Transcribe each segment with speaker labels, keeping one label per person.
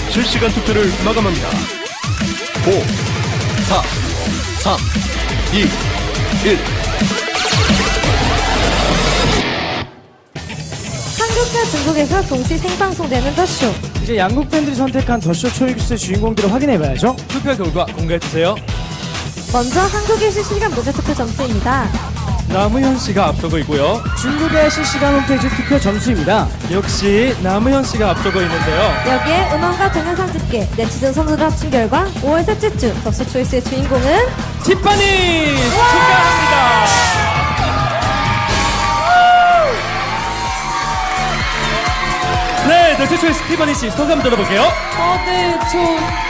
Speaker 1: 실시간 투표를 마감합니다. 5, 4, 3, 2, 1.
Speaker 2: 한국과 중국에서 동시 생방송되는 더쇼.
Speaker 3: 이제 양국 팬들이 선택한 더쇼 초이스의 주인공들을 확인해봐야죠.
Speaker 4: 투표 결과 공개해주세요.
Speaker 2: 먼저 한국의 실시간 무대 투표 점수입니다.
Speaker 4: 남우현 씨가 앞서고 있고요.
Speaker 3: 중국의 실시간 홈페이지 투표 점수입니다.
Speaker 4: 역시 남우현 씨가 앞서고 있는데요.
Speaker 2: 여기에 음원과 동영상 집계, 네티즌 선수를 합친 결과 5월 셋째 주 더쇼 초이스의 주인공은
Speaker 4: 티파니 축하합니다. 네, 더쇼 초이스 티파니 씨 소감 들어볼게요.
Speaker 5: 네, 저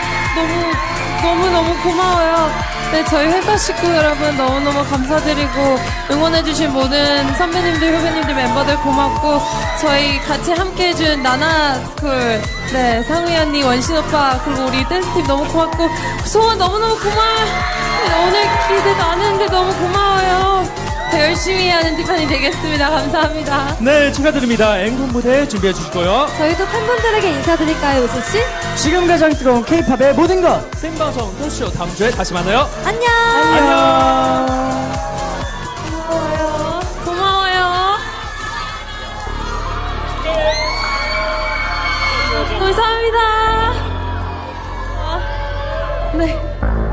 Speaker 5: 너무 고마워요. 네, 저희 회사 식구 여러분 너무너무 감사드리고 응원해주신 모든 선배님들, 후배님들, 멤버들 고맙고 저희 같이 함께해준 나나스쿨, 네, 상우이 언니, 원신 오빠, 그리고 우리 댄스팀 너무 고맙고 소원 너무너무 고마워요. 네, 오늘 기대도 안 했는데 너무 고마워요. 더 열심히 하는 티파니 되겠습니다. 감사합니다.
Speaker 4: 네, 축하드립니다. 앵콜 무대 준비해 주시고요.
Speaker 2: 저희도 팬분들에게 인사드릴까요, 우수씨?
Speaker 3: 지금 가장 뜨거운 K-팝의 모든 것.
Speaker 4: 생방송 토쇼 다음 주에 다시 만나요.
Speaker 2: 안녕!
Speaker 4: 안녕.
Speaker 5: 고마워요. 감사합니다. 네.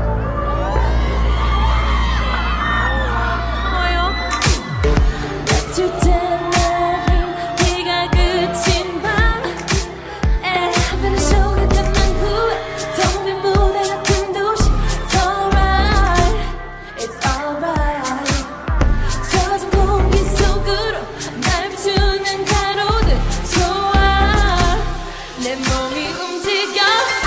Speaker 5: 고마워요. 며칠째 내린 비가 그친 밤에 한편의 쇼가 끝난 후에 텅 빈 무대 같은 도시. It's alright, it's alright. 젖은 공기 속으로 날 비추는 가로등 좋아. 내 몸이 움직여.